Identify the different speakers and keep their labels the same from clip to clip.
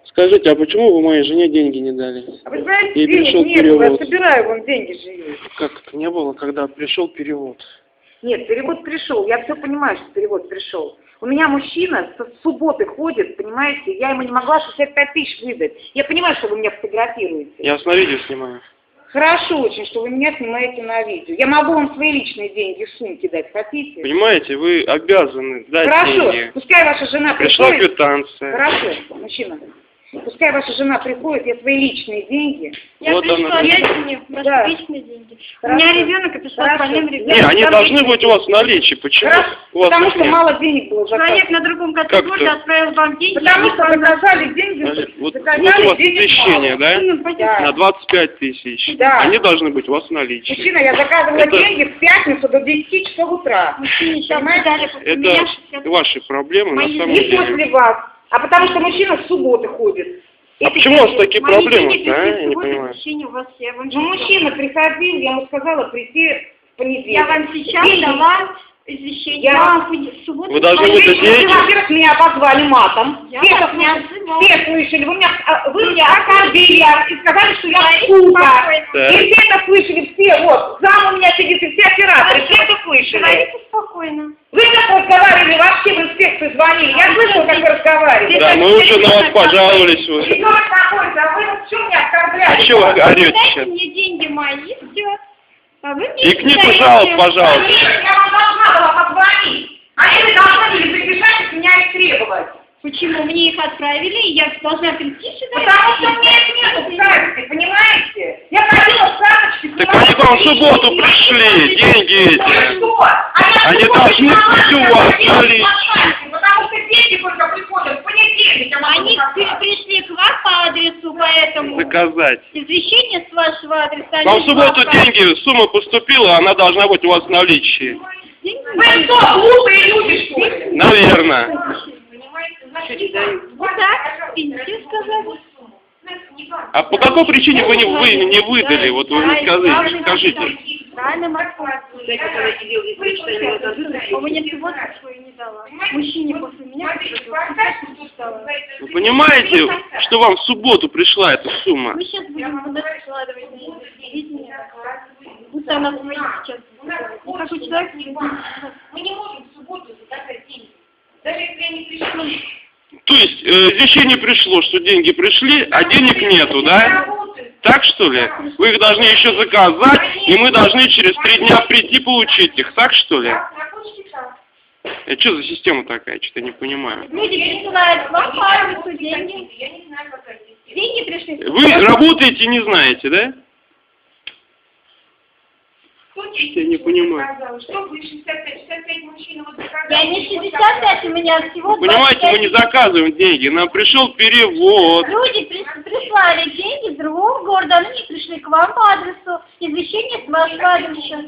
Speaker 1: Скажите, а почему вы моей жене деньги не дали?
Speaker 2: А вы знаете,
Speaker 1: И
Speaker 2: денег
Speaker 1: пришел
Speaker 2: нет, я
Speaker 1: перевод.
Speaker 2: собираю вам деньги живые.
Speaker 1: Как это не было, когда пришел перевод?
Speaker 2: Нет, перевод пришел, я все понимаю, что перевод пришел. У меня мужчина с субботы ходит, понимаете, я ему не могла 65 тысяч выдать. Я понимаю, что вы меня фотографируете.
Speaker 1: Я вас на видео снимаю.
Speaker 2: Хорошо очень, что вы меня снимаете на видео. Я могу вам свои личные деньги в сумке дать, хотите?
Speaker 1: Понимаете, вы обязаны дать
Speaker 2: Хорошо,
Speaker 1: деньги.
Speaker 2: пускай ваша жена
Speaker 1: Пришла
Speaker 2: приходит.
Speaker 1: квитанция.
Speaker 2: Хорошо, мужчина. Пускай ваша жена приходит, я свои личные деньги.
Speaker 3: Я
Speaker 1: Вот
Speaker 3: пришла,
Speaker 1: она.
Speaker 3: дайте мне
Speaker 2: Да.
Speaker 3: личные деньги. У
Speaker 2: Хорошо.
Speaker 3: меня ребенок, и пришла с больным
Speaker 1: Не,
Speaker 3: ребенком.
Speaker 1: они должны быть у вас в наличии. Почему
Speaker 2: Хорошо,
Speaker 1: у вас
Speaker 2: потому
Speaker 1: их
Speaker 2: что
Speaker 1: нет?
Speaker 2: мало денег было
Speaker 3: Человек
Speaker 2: заказано.
Speaker 3: на другом конце
Speaker 1: Как
Speaker 3: города
Speaker 1: это?
Speaker 3: отправил вам деньги.
Speaker 2: Потому что заказали деньги,
Speaker 1: Значит, вот у
Speaker 2: заказали
Speaker 1: вас
Speaker 2: денег
Speaker 1: извещение,
Speaker 2: мало.
Speaker 1: да?
Speaker 3: Ну, пойдем.
Speaker 2: Да.
Speaker 1: На 25 тысяч.
Speaker 2: Да.
Speaker 1: Они должны быть у вас в наличии.
Speaker 2: Мужчина, я заказывала
Speaker 1: Это-
Speaker 2: деньги в пятницу до 10 часов утра.
Speaker 3: Мужчине сейчас
Speaker 2: Понимаете?
Speaker 3: дали после меня
Speaker 1: Это
Speaker 3: 60.
Speaker 1: ваши проблемы на
Speaker 3: Мои
Speaker 1: самом
Speaker 2: Не
Speaker 1: деле.
Speaker 2: после вас, а потому что мужчина с субботы ходит.
Speaker 1: А
Speaker 2: Эти
Speaker 1: почему у вас
Speaker 2: деньги-
Speaker 1: такие
Speaker 3: Мои
Speaker 1: проблемы,
Speaker 3: деньги
Speaker 1: а?
Speaker 3: пришли
Speaker 1: Я
Speaker 3: в
Speaker 1: не
Speaker 3: субботу,
Speaker 1: понимаю.
Speaker 3: возвращение у вас, я вам
Speaker 2: Ну,
Speaker 3: сейчас
Speaker 2: мужчина приходил, я ему сказала прийти в понедельник.
Speaker 3: Я вам сейчас
Speaker 2: Деньги.
Speaker 3: дала извещение.
Speaker 2: Я вам-
Speaker 3: в субботу.
Speaker 1: Вы должны
Speaker 3: дала
Speaker 1: быть
Speaker 3: деньги.
Speaker 1: деньги.
Speaker 2: Вы, во-первых, меня обозвали матом.
Speaker 3: Я
Speaker 2: Все
Speaker 3: вас
Speaker 2: это
Speaker 3: не
Speaker 2: слышали.
Speaker 3: обзывала.
Speaker 2: Все слышали. Вы меня оскорбили и сказали, что я сука.
Speaker 1: Так.
Speaker 2: И все это слышали, все. Вот, зам у меня сидит, и все операторы, все это слышали.
Speaker 3: Говорите спокойно.
Speaker 2: Вы как разговаривали, вообще в инспекцию звонили. Я слышала, как вы разговаривали.
Speaker 1: Да, мы уже на вас пожаловались. Вы.
Speaker 2: Ребенок находится, а вы вот что меня оскорбляли?
Speaker 1: А что вы орете
Speaker 3: Дайте
Speaker 1: сейчас?
Speaker 3: мне деньги мои, все. А вы мне
Speaker 1: И книгу
Speaker 3: даете.
Speaker 1: жалоб, пожалуйста.
Speaker 2: Я вам должна была позвонить. Они вы должны были прибежать и с меня их требовать.
Speaker 3: Почему? Мне их отправили, и я должна прийти сюда.
Speaker 2: Потому что мне их нету в карточке, понимаете? Я ходила в карточке.
Speaker 1: Так они к вам в субботу пришли, деньги эти.
Speaker 2: Что?
Speaker 1: Они должны быть у вас в наличии.
Speaker 2: Потому что деньги только приходят в понедельник. а
Speaker 3: Они
Speaker 2: потом как-то.
Speaker 3: пришли к вам по адресу, поэтому
Speaker 1: Доказать.
Speaker 3: извещение с вашего адреса.
Speaker 1: Вам в
Speaker 3: они
Speaker 1: субботу
Speaker 3: вам
Speaker 1: деньги, сумма поступила, она должна быть у вас в наличии.
Speaker 3: деньги
Speaker 2: Вы что, глупые люди, что ли?
Speaker 1: Наверное.
Speaker 3: Вот так, пенсию сказали.
Speaker 1: А по какой причине вы не выдали? Вот вы мне скажите.
Speaker 3: Правильно, Москва. А мне всего свою не дала. Мужчине после меня стала.
Speaker 1: Вы понимаете, что вам в субботу пришла эта сумма?
Speaker 3: Мы сейчас будем куда складывать на видение. Будто она свои сейчас. Какой человек не
Speaker 2: Мы не можем в субботу заказать деньги. Даже если они пришли.
Speaker 1: То есть извещение пришло, что деньги пришли, а денег нету, да? Так что ли? Вы их должны еще заказать, и мы должны через 3 дня прийти получить их, так что ли? Это что за система такая? Что-то не понимаю.
Speaker 3: Люди присылают вам по адресу деньги. Деньги пришли.
Speaker 1: Вы работаете и не знаете, да? Я не понимаю.
Speaker 2: Что вы 65 мужчин вот заказали?
Speaker 3: Я не 65, у меня всего
Speaker 1: Понимаете, мы не
Speaker 3: 25.
Speaker 1: заказываем деньги, нам пришел перевод.
Speaker 3: Люди прислали деньги с другого города, они не пришли к вам по адресу. Извещение с вашего адреса.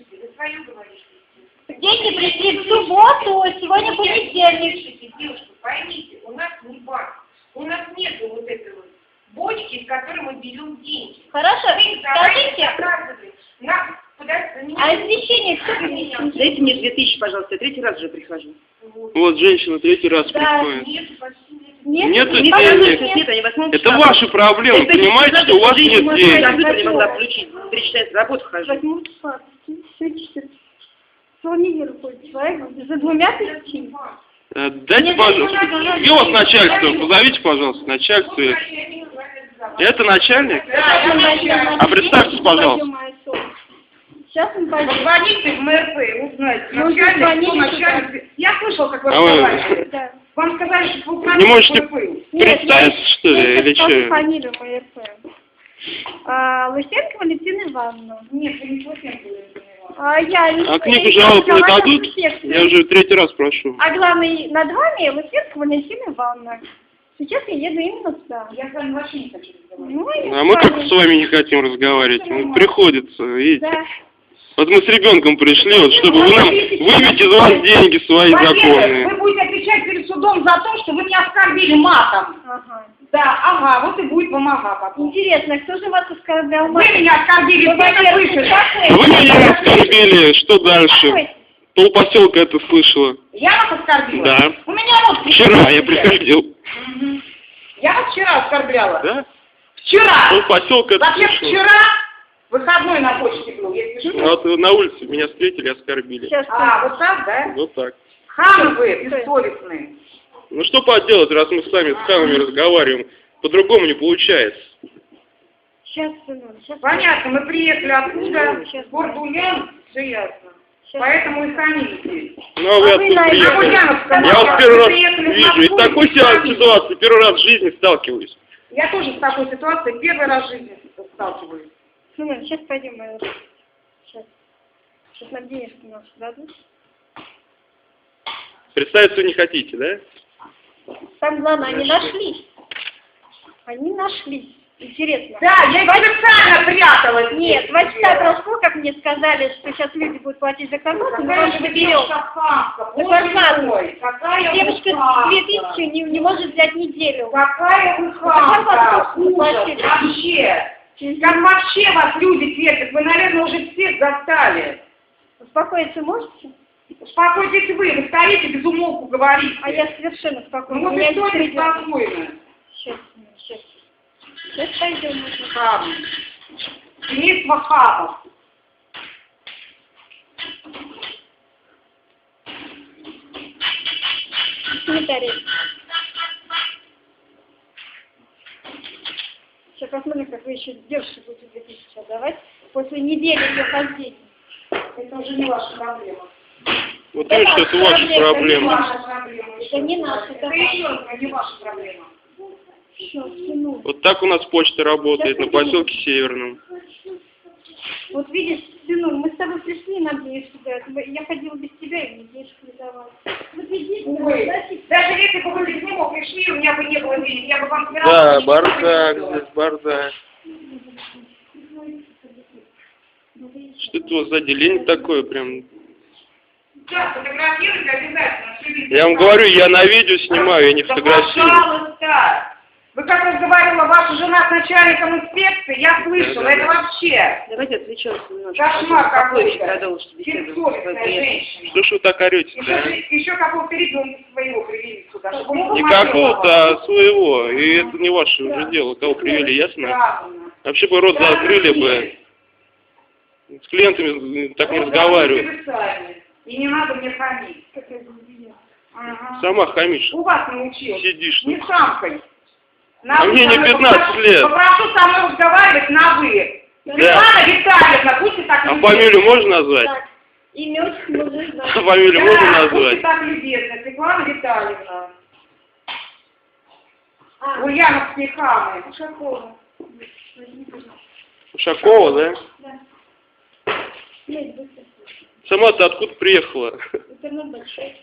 Speaker 3: Деньги пришли в субботу, сегодня понедельник.
Speaker 2: Девушка, поймите, у нас не банк, у нас нет вот этой вот бочки, из которой мы берем деньги.
Speaker 3: Хорошо,
Speaker 2: Вы давайте
Speaker 3: скажите,
Speaker 2: заказывали. Нам куда-то
Speaker 3: а извещение кто принесет?
Speaker 4: Дайте мне 2000, пожалуйста, я 3-й раз уже прихожу.
Speaker 1: Вот женщина 3-й раз
Speaker 3: Да.
Speaker 1: приходит.
Speaker 2: Нет, почти нет.
Speaker 1: Нету
Speaker 3: не
Speaker 1: денег.
Speaker 3: понятно.
Speaker 4: Нет, они 8
Speaker 1: Это ваши проблемы, понимаете, что у вас нет
Speaker 4: Я
Speaker 1: денег.
Speaker 4: компьютер не могла включить, 3 часа я на работу хожу.
Speaker 3: 8 числа, все часы. Планировали ходит человек за 2 тысячами.
Speaker 1: Дайте,
Speaker 3: Нет,
Speaker 1: пожалуйста.
Speaker 3: нет,
Speaker 1: Где у вас начальство? Позовите, пожалуйста, начальство. Это начальник? А представьтесь, пожалуйста.
Speaker 3: Сейчас он пойдет.
Speaker 2: Позвоните в МРП, узнайте.
Speaker 3: Ну,
Speaker 2: Начальник,
Speaker 3: звоните
Speaker 2: кто начальник. Я слышал, как вы
Speaker 1: А вы
Speaker 2: разговаривали.
Speaker 3: Да.
Speaker 2: Вам сказали, что вы
Speaker 1: не можете
Speaker 2: МРП.
Speaker 1: представиться, что ли, или что?
Speaker 3: Фамилию МРП. Лысенко Валентина Ивановна.
Speaker 2: Нет, вы не слышали.
Speaker 3: Я
Speaker 1: А книгу жалоб не дадут? Я уже 3-й раз прошу.
Speaker 3: А главный над вами Лысенко Валентина Ивановна. Сейчас я еду именно туда.
Speaker 2: Я с вами вообще не хочу разговаривать.
Speaker 3: Ну, и
Speaker 1: А мы как
Speaker 3: вами.
Speaker 1: с вами не хотим разговаривать. Ну, приходится, видите.
Speaker 3: Да.
Speaker 1: Вот мы с ребенком пришли, вот, чтобы вы нам выбить из вас деньги свои
Speaker 2: Во-первых,
Speaker 1: законные.
Speaker 2: вы будете отвечать перед судом за то, что вы меня оскорбили матом.
Speaker 3: Ага.
Speaker 2: Да, ага, вот и будет вам ага потом.
Speaker 3: Интересно, кто же вас оскорблял?
Speaker 2: Вы меня оскорбили,
Speaker 3: Вы,
Speaker 2: все это
Speaker 3: во-первых,
Speaker 2: слышали.
Speaker 1: А вы меня оскорбили, что дальше? Полпоселка это слышала.
Speaker 2: Я вас оскорбила?
Speaker 1: Да.
Speaker 2: У меня вот...
Speaker 1: Вчера я приходил.
Speaker 2: Я вас вчера оскорбляла?
Speaker 1: Да?
Speaker 2: Вчера!
Speaker 1: Ну, поселка это
Speaker 2: Вообще
Speaker 1: смешно.
Speaker 2: вчера выходной на почте был, если что.
Speaker 1: Ну, вот на улице меня встретили, оскорбили.
Speaker 3: Сейчас.
Speaker 2: А, вот так, да?
Speaker 1: Вот так.
Speaker 2: Хамы вы, бессовестные.
Speaker 1: Ну что поделать, раз мы с вами с хамами разговариваем, по-другому не получается.
Speaker 3: Сейчас, сынок, сейчас.
Speaker 2: Понятно, мы приехали откуда?
Speaker 3: Сейчас.
Speaker 2: С города Ульяновск, все ясно.
Speaker 3: Сейчас.
Speaker 2: Поэтому и хранили здесь.
Speaker 1: Ну, а вы
Speaker 3: А вы
Speaker 1: откуда
Speaker 3: на
Speaker 1: приехали?
Speaker 2: Ульяновском
Speaker 1: Я вот первый раз
Speaker 2: приехали в
Speaker 1: вижу, и
Speaker 2: Москву,
Speaker 1: с такой
Speaker 2: и хранили.
Speaker 1: ситуацией первый раз в жизни сталкиваюсь.
Speaker 2: Я тоже с такой ситуацией первый раз в жизни сталкиваюсь.
Speaker 3: Сынок, сейчас пойдем, моя рука. Сейчас. Сейчас нам денежки наши дадут.
Speaker 1: Представиться не хотите, да?
Speaker 3: Там главное, они нашлись. Они нашлись. Интересно.
Speaker 2: Да, я их специально пряталась.
Speaker 3: Нет, 2 часа прошло, как мне сказали, что сейчас люди будут платить за корму, мы вам заберем.
Speaker 2: Какая
Speaker 3: Девочка
Speaker 2: вы
Speaker 3: 2000 не может взять неделю.
Speaker 2: Какая вы хамка! Ужас! Вообще! Как вообще вас люди терпят? Вы, наверное, уже всех застали.
Speaker 3: Успокоиться можете?
Speaker 2: Успокойтесь вы стоите без умолку говорите.
Speaker 3: А я совершенно спокойна.
Speaker 2: Ну вот
Speaker 3: Меня
Speaker 2: и кто
Speaker 3: не
Speaker 2: не спокойно?
Speaker 3: Сейчас, сейчас. Сейчас пойдем.
Speaker 2: Хам. Семейство хамов.
Speaker 3: Комментарий. Сейчас посмотрим, как вы еще девушке будете 2000 отдавать после недели ее хождения.
Speaker 2: Это уже не ваша проблема.
Speaker 1: Вот видишь, это ваша
Speaker 2: Не
Speaker 1: проблема.
Speaker 2: ваша проблема.
Speaker 3: Это не наша,
Speaker 2: Это
Speaker 3: это
Speaker 2: еще не ваша проблема.
Speaker 3: Все, сынок.
Speaker 1: Вот так у нас почта работает на поселке Северном.
Speaker 3: Вот видишь, сынок, мы с тобой пришли, нам денежку дают. Я ходила без тебя, и мне денежку не давала. Вот видите,
Speaker 2: Ой,
Speaker 3: значит,
Speaker 2: даже если бы вы без него пришли, у меня бы не было денег, я бы вам все
Speaker 1: Да,
Speaker 2: равно
Speaker 1: бардак,
Speaker 2: ничего не
Speaker 1: здесь бардак. Что это у вас за отделение такое прям?
Speaker 2: Да, фотографируйте обязательно. всё видно.
Speaker 1: Я вам говорю, я на видео снимаю, я не
Speaker 2: Да,
Speaker 1: фотографирую.
Speaker 2: пожалуйста. Вы как разговаривала ваша жена с начальником инспекции, я слышала, это вообще
Speaker 4: Давайте отвлечемся немножко.
Speaker 2: кошмар
Speaker 4: Спокойнее
Speaker 2: какой-то.
Speaker 4: продолжите беседу.
Speaker 2: Бессовестная женщина.
Speaker 1: Что ж вы так орете, да?
Speaker 2: Еще какого-то ребенка своего привели сюда, чтобы он
Speaker 1: Не
Speaker 2: посмотрел
Speaker 1: какого-то,
Speaker 2: на вас.
Speaker 1: а своего. И это не ваше уже дело. Кого привели, ясно?
Speaker 2: Правильно.
Speaker 1: Вообще бы рот
Speaker 2: Да,
Speaker 1: закрыли бы.
Speaker 2: есть.
Speaker 1: С клиентами так не
Speaker 2: Вот
Speaker 1: разговаривают.
Speaker 2: вы сами. И не надо мне хамить. Ага.
Speaker 1: Сама хамишь.
Speaker 2: У вас научил.
Speaker 1: Сидишь.
Speaker 2: Не самкой.
Speaker 1: А мне не 15 лет.
Speaker 2: Попрошу со мной разговаривать на «вы».
Speaker 1: Да.
Speaker 2: Светлана Витальевна, будьте так
Speaker 1: А
Speaker 2: любезны.
Speaker 1: фамилию можно назвать?
Speaker 3: так, иметь мужик,
Speaker 1: А
Speaker 3: да.
Speaker 1: фамилию
Speaker 2: Да,
Speaker 1: можно
Speaker 2: будьте
Speaker 1: назвать?
Speaker 2: так любезны, Светлана Витальевна.
Speaker 3: А,
Speaker 2: Ульяновские хамы.
Speaker 3: Ушакова. Возьми, пожалуйста.
Speaker 1: Ушакова, да?
Speaker 3: Да. Нет, быстро.
Speaker 1: Сама-то откуда приехала?
Speaker 3: Интернет большой.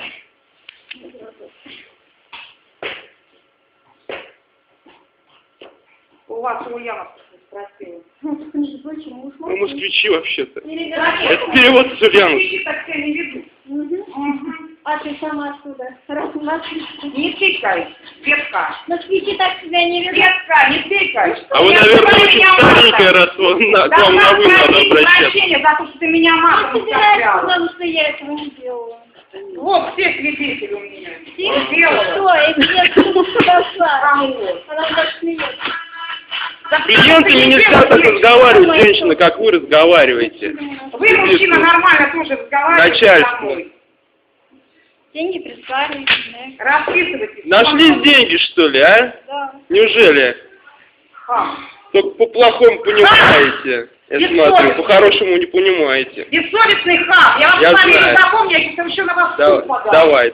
Speaker 2: У вас у Ульяновских спросила.
Speaker 3: Ну, между прочим, муж
Speaker 1: Мы москвичи вообще-то.
Speaker 3: Или
Speaker 1: Это перевод с Ульяновска.
Speaker 2: Москвичи так себя не ведут. Мгм.
Speaker 3: А ты сама откуда? Раз у нас
Speaker 2: Не тыкай, Светка.
Speaker 3: москвичи так себя не ведут.
Speaker 2: Светка, не тыкай.
Speaker 1: А вы,
Speaker 2: Я
Speaker 1: наверное,
Speaker 2: говорю,
Speaker 1: очень
Speaker 2: меня
Speaker 1: старенькая,
Speaker 2: матом.
Speaker 1: раз вам на, к
Speaker 2: Да
Speaker 1: вам на вы надо обращаться.
Speaker 2: прощения за то, что ты меня
Speaker 3: Не
Speaker 2: матом
Speaker 3: собираюсь,
Speaker 2: оскорбляла.
Speaker 3: потому что я этого не делала.
Speaker 2: Вот все свидетели у меня.
Speaker 3: Все?
Speaker 2: Делала.
Speaker 3: Что? Это я подошла.
Speaker 2: Кому?
Speaker 3: Она так смеется.
Speaker 2: Да
Speaker 1: С клиентами нельзя так разговаривать, женщина, как вы разговариваете.
Speaker 2: Вы, мужчина, нормально тоже разговариваете
Speaker 1: Начальство.
Speaker 2: со мной.
Speaker 3: Деньги прислали, да?
Speaker 2: Расписывайтесь.
Speaker 1: Нашлись деньги, что ли, а?
Speaker 3: Да.
Speaker 1: Неужели?
Speaker 2: Хам.
Speaker 1: Только по-плохому понимаете. Я смотрю, по-хорошему не понимаете.
Speaker 2: Бессовестный хам. Я вам
Speaker 1: Я
Speaker 2: фамилию
Speaker 1: знаю.
Speaker 2: запомню, я сейчас еще на вас
Speaker 1: Давай,
Speaker 2: суд подам.
Speaker 1: давай.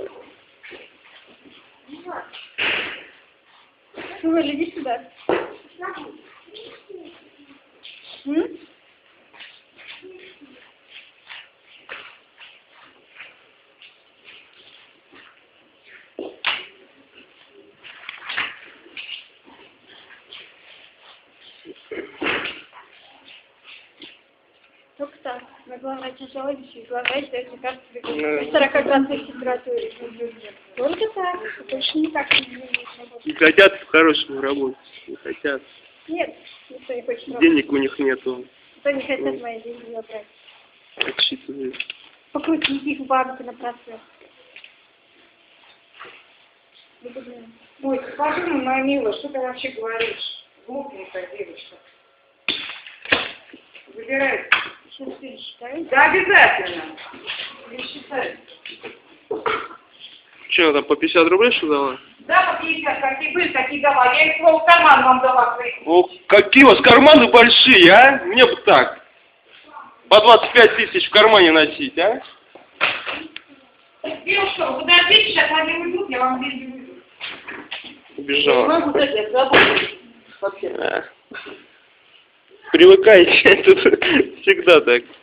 Speaker 3: Сынуль, иди сюда. М? Только так. На главное тяжело, и главное, что эти карты при 40 градусах температуры. Только так. Больше никак не работать.
Speaker 1: Не хотят по-хорошему работать. Не хотят.
Speaker 3: Нет, никто не хочет работать.
Speaker 1: Денег у них нету.
Speaker 3: Кто не хотят мои деньги забрать.
Speaker 1: Отсчитывают.
Speaker 3: Покрутить их в банке на процесс. Выгодно.
Speaker 2: Ой, скажи, ну, моя милая, что ты вообще говоришь? Глупенькая девочка. Забирай.
Speaker 3: Сейчас пересчитаю.
Speaker 2: Да, обязательно. Пересчитай.
Speaker 1: Что, там по 50 рублей что дала?
Speaker 2: Да, по 50, какие были, такие дала. Я их свой карман вам дала.
Speaker 1: О, какие у вас карманы большие, а? Мне бы так. По 25 тысяч в кармане носить, а?
Speaker 2: Девушка, вы подождите, сейчас они уйдут, я вам деньги выйду.
Speaker 1: Убежала.
Speaker 4: Могу дать, я работаю. Вообще.
Speaker 1: Привыкайте, тут всегда так.